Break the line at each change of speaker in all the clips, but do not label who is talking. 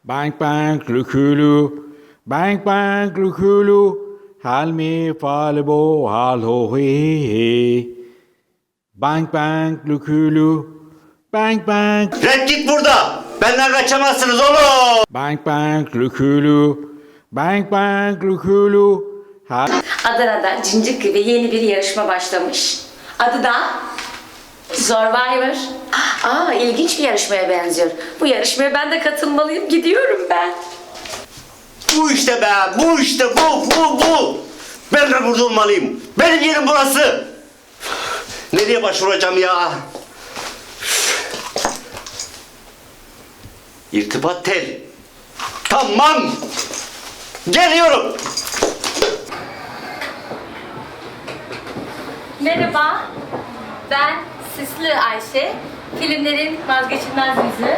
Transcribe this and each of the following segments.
Bang bang lukulu, bang bang lukulu, hal mi falebo hal ho he. Bang bang lukulu, bang bang.
Red git burada. Benden kaçamazsınız oğlum.
Bang bang lukulu, bang bang lukulu, hal.
Adana'da Cincik gibi yeni bir yarışma başlamış. Adı da Survivor. İlginç bir yarışmaya benziyor. Bu yarışmaya ben de katılmalıyım. Gidiyorum ben.
Bu işte be. Bu işte bu. Ben de burada olmalıyım. Benim yerim burası. Nereye başvuracağım ya? İrtibat tel. Tamam. Geliyorum.
Merhaba. Ben Süslü Ayşe. Filmlerin vazgeçilmez yüzü.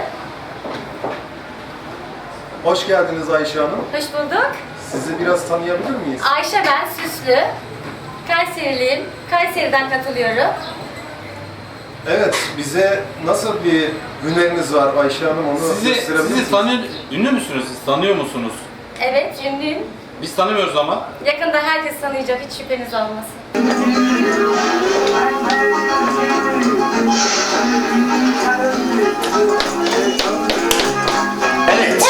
Hoş geldiniz Ayşe Hanım.
Hoş bulduk.
Sizi biraz tanıyabilir miyiz?
Ayşe ben Süslü. Kayseriliyim. Kayseri'den katılıyorum.
Evet, bize nasıl bir hüneriniz var Ayşe Hanım, onu gösterebilir misiniz?
Ünlü müsünüz? Siz tanıyor musunuz?
Evet, ünlüyüm.
Biz tanımıyoruz ama.
Yakında herkes tanıyacak, hiç şüpheniz olmasın.
Evet.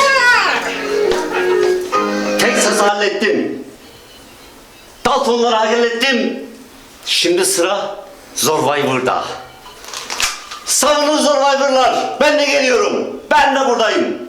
Texas'ı hallettim. Daltonları hallettim. Şimdi sıra Survivor'da. Savunun Survivor'lar. Ben de geliyorum. Ben de buradayım.